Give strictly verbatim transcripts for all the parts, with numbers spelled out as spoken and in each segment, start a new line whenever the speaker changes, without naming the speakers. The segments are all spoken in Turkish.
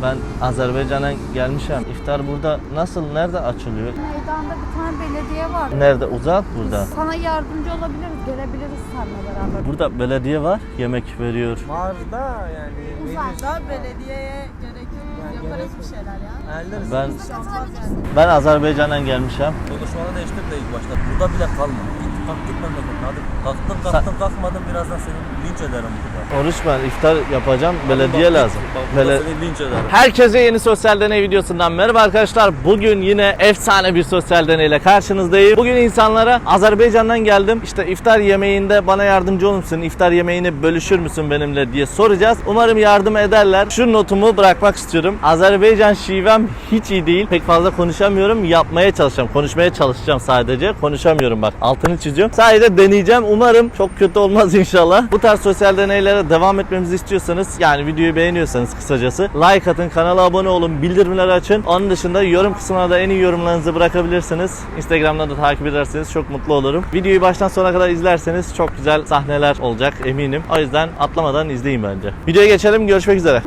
Ben Azerbaycan'a gelmişim. İftar burada nasıl, nerede açılıyor?
Meydanda bir tane belediye var.
Nerede? Uzak burada.
Sana yardımcı olabiliriz, gelebiliriz seninle beraber.
Burada belediye var, yemek veriyor.
Var da yani
Uzakta
Belediyeye gerek yok.
Yani
Yaparız
gerek
bir şeyler ya.
Hallederiz.
Ben
Olmaz yani.
ben Azerbaycan'dan gelmişim.
Konuşmanı değiştir de ilk başta. Burada bile kalma. Git kalk git memleketine hadi. Kalktın kalktın kalkmadın birazdan seni linç ederim burada.
Oruç ben iftar yapacağım. Belediye
Bak,
lazım.
Bak burada
Bele-
seni linç ederim.
Herkese yeni sosyal deney videosundan merhaba arkadaşlar. Bugün yine efsane bir sosyal deneyle karşınızdayım. Bugün insanlara Azerbaycan'dan geldim. İşte iftar yemeğinde bana yardımcı olur musun? İftar yemeğini bölüşür müsün benimle diye soracağız. Umarım yardım ederler. Şu notumu bırakmak istiyorum. Azerbaycan şivem hiç iyi değil. Pek fazla konuşamıyorum. Yapmaya çalışacağım. Konuşmaya çalışacağım sadece. Konuşamıyorum bak. Altını çiziyorum. Sadece deneyeceğim. Umarım çok kötü olmaz inşallah. Bu tarz sosyal deneylere devam etmemizi istiyorsanız, yani videoyu beğeniyorsanız kısacası like atın, kanala abone olun, bildirimleri açın. Onun dışında yorum kısmına da en iyi yorumlarınızı bırakabilirsiniz. Instagram'da da takip ederseniz çok mutlu olurum. Videoyu baştan sona kadar izlerseniz çok güzel sahneler olacak eminim. O yüzden atlamadan izleyin bence. Videoya geçelim. Görüşmek üzere.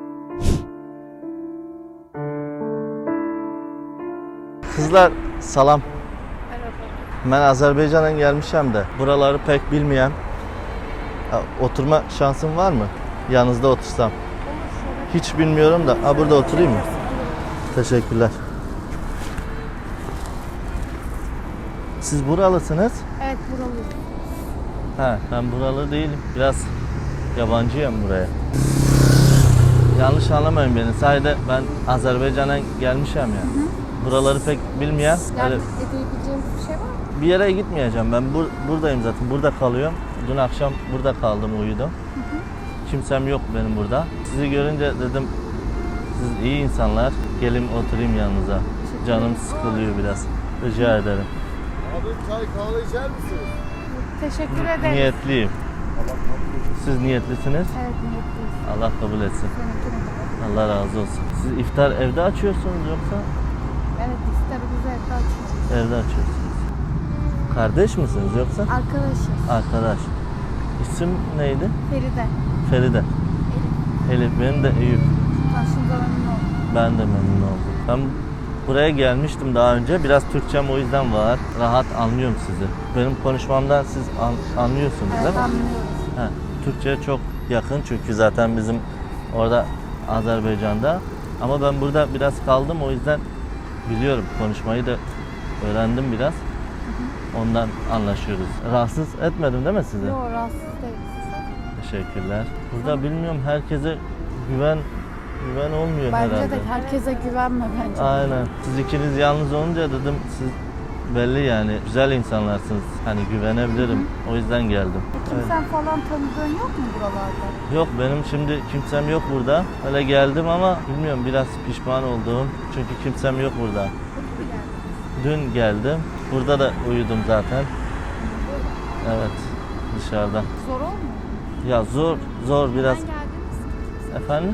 Kızlar salam. Ben Azerbaycan'dan gelmişim de buraları pek bilmeyen. Ha, oturma şansım var mı? Yanınızda otursam. Hiç bilmiyorum da. Ha, burada oturayım mı? Teşekkürler. Siz buralısınız?
Evet, buralıyız.
Ha, ben buralı değilim. Biraz yabancıyım buraya. Yanlış anlamayın beni. Sadece ben Azerbaycan'a gelmişim ya. Hı hı. Buraları pek bilmeyen.
Yardım
Öyle
edebileceğimiz bir şey var mı?
bir yere gitmeyeceğim. Ben bur buradayım zaten. Burada kalıyorum. Dün akşam burada kaldım, uyudum. Hı hı. Kimsem yok benim burada. Sizi görünce dedim siz iyi insanlar. Gelin oturayım yanınıza. Canım sıkılıyor biraz. Rica ederim.
Abi çay kahve içer misiniz?
Teşekkür ederiz.
Niyetliyim. Siz niyetlisiniz.
Evet, niyetliyiz.
Allah kabul etsin.
Seninkine de.
Allah razı olsun. Siz iftar evde açıyorsunuz yoksa?
Evet, iftarımızı evde açıyoruz.
Evde açıyorsunuz. Kardeş misiniz yoksa?
Arkadaşız.
Arkadaş. İsim neydi?
Feride.
Feride.
Elif.
Elif, benim de Eyüp.
Tanıştığımıza memnun oldum.
Ben de memnun oldum. Ben buraya gelmiştim daha önce. Biraz Türkçem o yüzden var. Rahat anlıyorum sizi. Benim konuşmamdan siz an, anlıyorsunuz
Evet,
değil mi?
anlıyoruz.
Ha, Türkçe çok yakın çünkü zaten bizim orada Azerbaycan'da. Ama ben burada biraz kaldım, o yüzden biliyorum, konuşmayı da öğrendim biraz. Ondan anlaşıyoruz. Rahatsız etmedim değil mi sizi?
Yok, rahatsız değiliz.
Teşekkürler. Burada bilmiyorum, herkese güven güven olmuyor
Bence
herhalde.
de herkese güvenme bence.
Aynen. Siz ikiniz yalnız olunca dedim siz belli yani güzel insanlarsınız. Hani güvenebilirim. Hı hı. O yüzden geldim. Evet.
Kimsen falan tanıdığın yok mu buralarda?
Yok, benim şimdi kimsem yok burada. Öyle geldim ama bilmiyorum, biraz pişman oldum. Çünkü kimsem yok burada. Dün geldim. Burada da uyudum zaten. Evet. Dışarıda.
Zor olmuyor.
Ya zor, zor biraz. Efendim?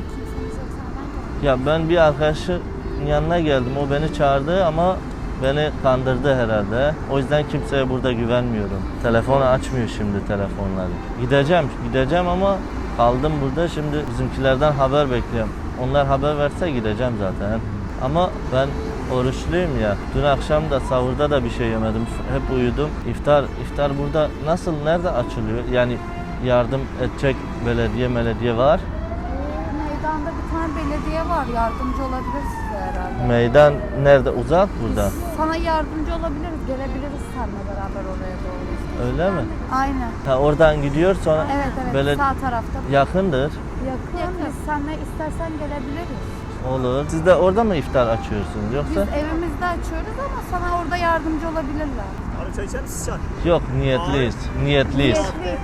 Ya ben bir arkadaşın yanına geldim. O beni çağırdı ama beni kandırdı herhalde. O yüzden kimseye burada güvenmiyorum. Telefonu açmıyor şimdi telefonları. Gideceğim, gideceğim ama kaldım burada. Şimdi bizimkilerden haber bekliyorum. Onlar haber verse gideceğim zaten. Ama ben oruçluyum ya. Dün akşam da sahurda da bir şey yemedim. Hep uyudum. İftar, iftar burada nasıl, nerede açılıyor? Yani yardım edecek belediye belediye var.
Meydanda bir tane belediye var. Yardımcı olabilir size herhalde.
Meydan nerede? Uzak burada.
Sana yardımcı olabiliriz. Gelebiliriz seninle beraber oraya doğru.
Öyle mi?
Aynen.
Ha, oradan gidiyor sonra
Evet evet.
böyle
Sağ tarafta.
yakındır.
Yakın. Yakın. Biz seninle istersen gelebiliriz.
Olur. Siz de orada mı iftar açıyorsunuz yoksa?
Biz evimizde açıyoruz ama sana orada yardımcı olabilirler.
Abi çay içer misin çay?
Yok, niyetliyiz. Niyetliyiz.
Niyetli.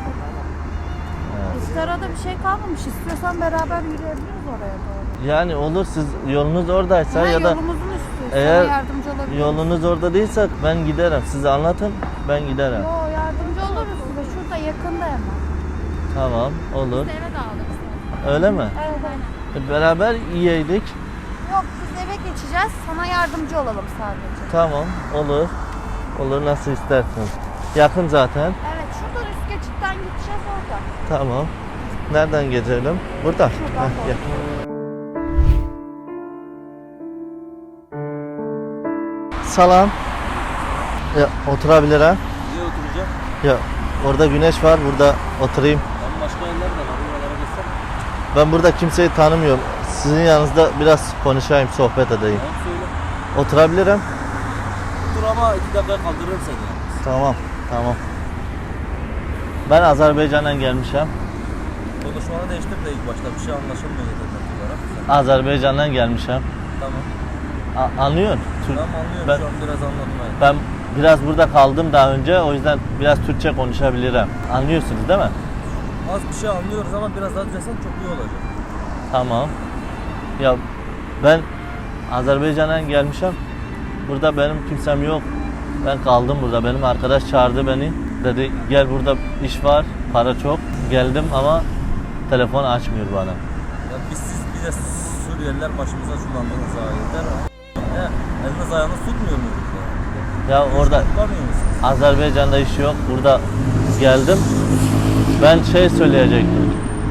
İftara da bir şey kalmamış. İstiyorsan beraber yürüyebiliriz oraya doğru.
Yani olur, siz yolunuz oradaysa
Ha,
ya da
yolumuzun üstü.
eğer
Sana yardımcı olabiliriz.
yolunuz orada değilse ben giderim. Size anlatın, ben giderim.
Yo, yardımcı oluruz size. Şurada yakında hemen.
Tamam, olur.
Eve dağıldık.
Öyle mi?
Evet evet.
E, beraber yiyeydik.
Yok, biz eve geçeceğiz. Sana yardımcı olalım sadece.
Tamam, olur. Olur, nasıl istersin. Yakın zaten.
Evet, şuradan üst geçitten gideceğiz orada.
Tamam. Nereden geçelim? Burada.
Şuradan
Heh,
doğru.
gel. salam. Ya, oturabilir ha?
Niye oturacağım?
Ya orada güneş var, burada oturayım.
Ben başka yerler de var. Buralara geçsem.
Ben burada kimseyi tanımıyorum. Sizin yanınızda biraz konuşayım, sohbet edeyim.
Tamam söyle.
Oturabilirim.
Dur ama iki dakika kaldırırım seni.
Tamam, tamam. Ben Azerbaycan'dan gelmişim.
Konuşmanı değiştir de ilk başta bir şey anlaşılmıyor yeterli olarak.
Azerbaycan'dan gelmişim.
Tamam.
A- anlıyorsun? Türk-
Tamam anlıyorum
Ben-
şu an biraz anlatmaya.
Ben biraz burada kaldım daha önce, o yüzden biraz Türkçe konuşabilirim. Anlıyorsunuz değil mi?
Az bir şey anlıyoruz ama biraz daha düzelsen çok iyi olacak.
Tamam. Ya ben Azerbaycan'dan gelmişim. Burada benim kimsem yok. Ben kaldım burada. Benim arkadaş çağırdı beni. Dedi gel burada iş var, para çok. Geldim ama telefon açmıyor bana.
Ya biz siz bize Suriyeliler başımıza çullandınız ha yeter. He, eliniz ayağınız tutmuyor mu?
Ya orada
Tutlamıyor musunuz?
Azerbaycan'da iş yok. Burada geldim. Ben şey söyleyecektim.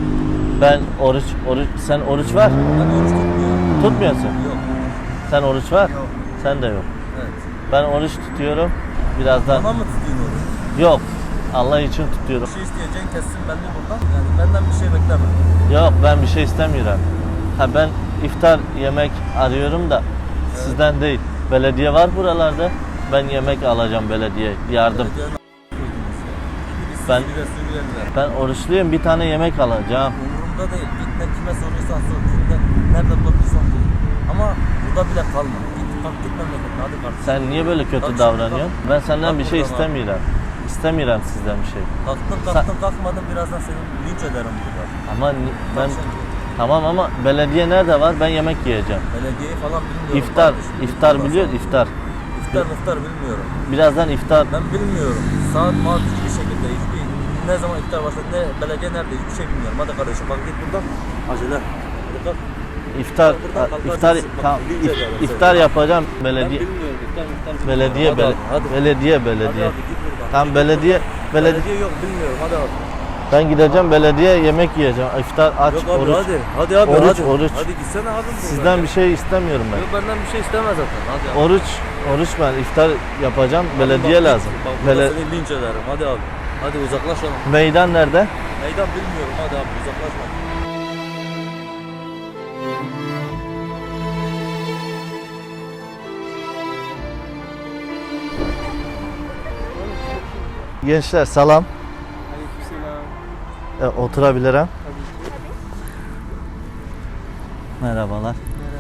Ben oruç, oruç, sen oruç var.
Ben oruç tutmuyorum.
Tutmuyorsun.
Yok.
Sen oruç var.
Yok.
Sen de yok.
Evet.
Ben oruç tutuyorum. Birazdan
Bana mı tutayım oruç?
yok. Allah için tutuyorum.
Bir şey isteyeceğin kessin belli buradan. Yani benden bir şey bekleme.
Yok ben bir şey istemiyorum. Ha ben iftar yemek arıyorum da sizden değil. Belediye var buralarda. Ben yemek alacağım belediye yardım.
Belediyenin koydunuz ya. Biz
Ben-
sizi ve Suriyeliler.
Ben oruçluyum, bir tane yemek alacağım.
Umurumda değil. Git ne kime soruyorsan sor. Kimde, nerede bulabilirsen bul. Ama burada bile kalma. Git kalk git memleketine hadi kardeşim.
Sen niye böyle kötü
Bak,
davranıyorsun?
bak.
Ben senden
Bak
bir şey
buradan al.
istemiyorum. İstemiyorum sizden bir şey.
Kalktın kalktın kalkmadın birazdan seni linç ederim burada.
Ama ni- ben
Bak sen-
tamam ama belediye nerede var? Ben yemek yiyeceğim.
Belediyeyi falan bilmiyorum.
İftar,
kardeşim.
iftar
Bilmiyorum
biliyor,
ben.
iftar.
İftar iftar bilmiyorum.
Birazdan iftar.
Ben bilmiyorum. Saat maat hiçbir şekilde hiçbir ne zaman iftar başladı ne belediye nerede hiçbir şey bilmiyorum. Hadi kardeşim bak git buradan. Acele. Hadi kalk.
İftar,
Buradan kalk,
iftar,
hadi.
tamam,
Bak, linç
if-
ederim seni.
iftar yapacağım
Ben
belediye.
bilmiyorum iftar iftar bilmiyorum.
Belediye,
Hadi
bele-
abi, hadi.
belediye,
Hadi
belediye.
abi git buradan.
Tam
Git
belediye,
buradan.
belediye.
Belediye yok bilmiyorum hadi abi.
Ben gideceğim belediye yemek yiyeceğim. İftar aç,
Yok abi
oruç.
hadi. Hadi abi
Oruç,
hadi.
oruç.
Hadi gitsene abi buradan.
Sizden bir şey istemiyorum ben.
Yok benden bir şey istemez zaten. Hadi abi.
Oruç, oruç ben iftar yapacağım.
Hadi
Belediye
bak,
lazım.
Bak burada
Bele-
seni linç ederim. Hadi abi. Hadi uzaklaşalım.
Meydan nerede?
Meydan bilmiyorum hadi abi uzaklaşma.
Gençler salam. E, oturabilirim. Merhabalar.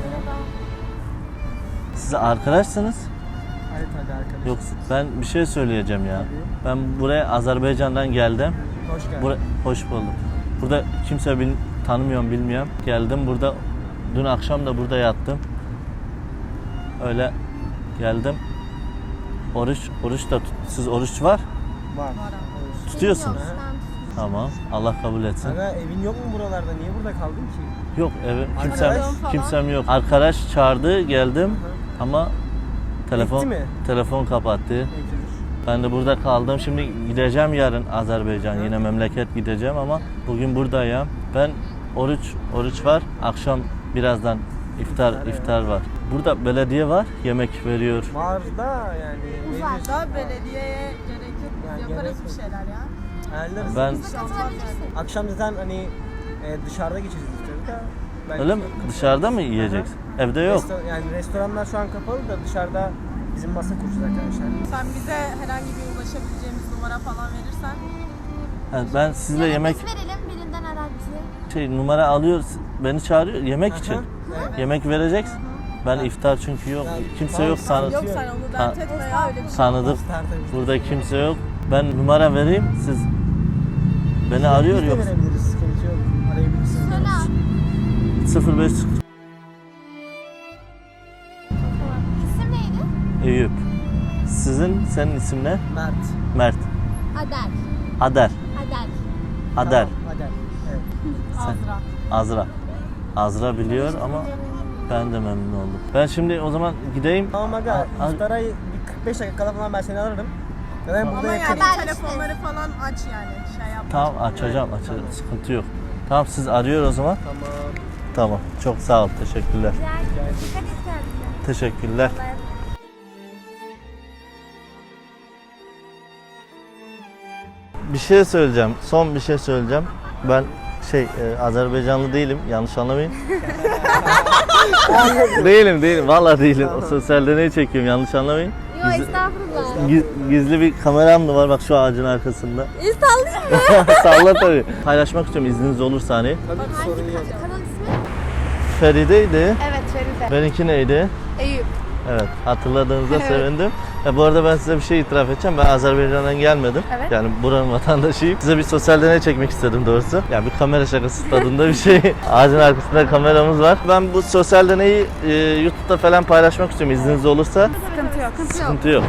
Siz arkadaşsınız?
Evet hadi arkadaşlar.
Yok ben bir şey söyleyeceğim ya. Ben buraya Azerbaycan'dan geldim.
Hoş geldin.
Bura, hoş buldum. Burada kimse bil, tanımıyorum bilmiyorum. Geldim burada. Dün akşam da burada yattım. Öyle geldim. Oruç, oruç da tut. Siz oruç var?
Var.
Tutuyorsunuz. Tamam. Allah kabul etsin.
Aga evin yok mu buralarda? Niye burada kaldın ki?
Yok evi kimsem
Arkadaş
falan.
kimsem yok. Arkadaş çağırdı geldim ama telefon
Gitti mi?
telefon kapattı.
Peki.
Ben de burada kaldım. Şimdi gideceğim yarın Azerbaycan. Yine memleket gideceğim ama bugün buradayım. Ben oruç oruç var. Akşam birazdan iftar
İftar, evet.
iftar var. Burada belediye var. Yemek veriyor.
Var da yani.
Uzakta belediyeye gerek yok. Biz
Yani
yaparız
gerek
bir şeyler ya.
Ayarlarız.
Ben
Akşam zaten hani e, dışarıda geçeceğiz istiyoruz da. belki
öyle mi?
kapı-
Dışarıda mı yiyeceksin? Evde yok.
Resto- yani restoranlar şu an kapalı da dışarıda bizim masa kuracağız arkadaşlar.
Sen bize herhangi bir ulaşabileceğimiz numara falan verirsen.
Ha, ben sizle yemek
Biz verelim birinden arazi.
şey numara alıyor. Beni çağırıyor yemek için.
Evet.
Yemek vereceksin. Ben iftar çünkü yok.
Yani
Kimse
tamam,
yok tanı
Yok sen onu
Ta-
dert etme ya öyle bir şey.
tanıdık.
Tertemiz.
Burada kimse yok. Ben numara vereyim. Siz beni arıyor
Biz de
yok.
verebiliriz. Sıkıntı yok. Arayabilirsiniz.
Söyle abi.
sıfır beş
İsim neydi?
Eyüp. Sizin senin isim ne?
Mert.
Mert.
Adel.
Ader.
Adel.
Ader.
Tamam, Adel. Evet.
Azra.
Azra. Azra biliyor ama ben de memnun oldum. Ben şimdi o zaman gideyim.
Tamam aga.
A-
İftara bir kırk beş dakika kala falan ben seni alırım. Ben burada
Ama
yakın.
yani
Haber
telefonları falan aç yani. Şey yapma.
Tamam açacağım açacağım. Sıkıntı yok. Tamam siz arıyor o zaman.
Tamam.
Tamam. Çok sağ ol. Teşekkürler.
Güzel. Dikkat et kendine.
Teşekkürler.
Allah'a emanet.
Bir şey söyleyeceğim. Son bir şey söyleyeceğim. Ben şey e, Azerbaycanlı değilim. Yanlış anlamayın. değilim değilim. Vallahi değilim. O sosyal deneyi çekiyorum. Yanlış anlamayın.
Yok
Gizli-
estağfurullah.
Giz- Gizli bir kameram da var bak şu ağacın arkasında.
İyi sallayayım mı?
Salla tabii. Paylaşmak istiyorum izniniz olursa hani.
Tabii ki sorun
Hangi
yok.
ka- kanal ismi?
Feride'ydi.
Evet Feride.
Benimki neydi?
Eyüp.
Evet, hatırladığınızda
Evet.
sevindim. E, bu arada ben size bir şey itiraf edeceğim. Ben Azerbaycan'dan gelmedim.
Evet.
Yani buranın vatandaşıyım. Size bir sosyal deney çekmek istedim doğrusu. Yani bir kamera şakası tadında bir şey. Ağacın arkasında kameramız var. Ben bu sosyal deneyi e, YouTube'da falan paylaşmak istiyorum izniniz olursa.
Sıkıntı yok.
Sıkıntı yok.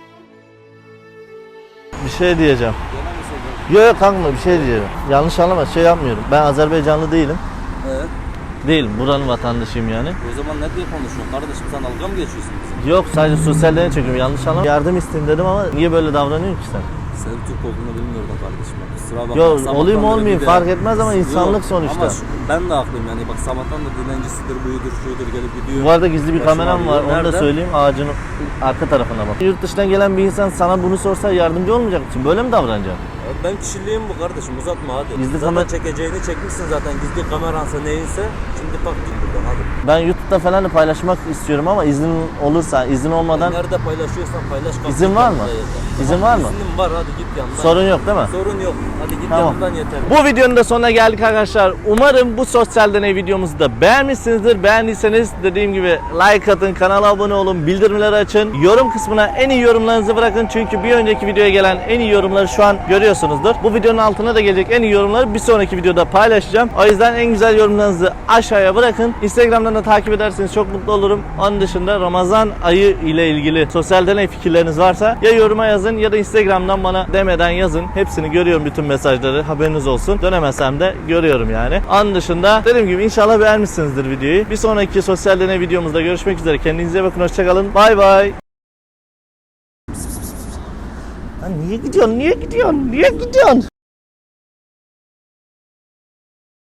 Bir şey diyeceğim. Yok yok kanka bir şey diyeceğim. Yanlış anlama şey yapmıyorum. Ben Azerbaycanlı değilim.
Evet.
Değilim. Buranın vatandaşıyım yani.
O zaman ne diye konuşuyorsun kardeşim, sen dalga mı geçiyorsun bize?
Yok sadece sosyal deney çekiyorum. Yanlış anlama. Yardım isteyeyim dedim ama niye böyle davranıyorsun ki sen?
Senin Türk olduğunu bilmiyordum kardeşim. Bak, kusura bakma.
Yok
Sabahtan
olayım
beri
olmayayım
bir de-
fark etmez ama insanlık
Yok,
sonuçta.
Ama şu- ben de haklıyım yani, bak sabahtan da dilencisidir, buyudur, şuydur gelip gidiyor.
Bu arada gizli bir
Başım
kameram
ağrıyor.
var. Onu da
Nerede?
söyleyeyim. Ağacın arka tarafına bak. Yurt dışından gelen bir insan sana bunu sorsa yardımcı olmayacak mısın? Böyle mi davranacaksın?
Ya ben kişiliğim bu kardeşim, uzatma hadi.
Gizli
zaten
kamer-
çekeceğini çekmişsin zaten, gizli kameransa neyinse. Şimdi kalk git buradan hadi.
Ben YouTube'da falan da paylaşmak istiyorum ama izin olursa, izin olmadan
Nerede paylaşıyorsan paylaş. kalk
İzin
git
var mı?
yanımda yeter.
İzin var mı?
İznim var, hadi git yanımdan.
sorun yok değil mi?
Sorun yok. Hadi git
Tamam.
yanımdan yeter.
Bu videonun da sonuna geldik arkadaşlar. Umarım bu sosyal deney videomuzu da beğenmişsinizdir. Beğendiyseniz dediğim gibi like atın, kanala abone olun, bildirimleri açın. Yorum kısmına en iyi yorumlarınızı bırakın. Çünkü bir önceki videoya gelen en iyi yorumları şu an görüyorsunuzdur. Bu videonun altına da gelecek en iyi yorumları bir sonraki videoda paylaşacağım. O yüzden en güzel yorumlarınızı aşağıya bırakın. Instagram'dan da takip ederseniz çok mutlu olurum. Onun dışında Ramazan ayı ile ilgili sosyal deney fikirleriniz varsa ya yoruma yazın ya da Instagram'dan bana demeden yazın. Hepsini görüyorum, bütün mesajları, haberiniz olsun. Dönemesem de görüyorum yani. Onun dışında dediğim gibi inşallah beğenmişsinizdir videoyu. Bir sonraki sosyal deney videomuzda görüşmek üzere. Kendinize iyi bakın. Hoşçakalın. Bay bay. Lan niye gidiyorsun? Niye gidiyorsun? Niye gidiyorsun?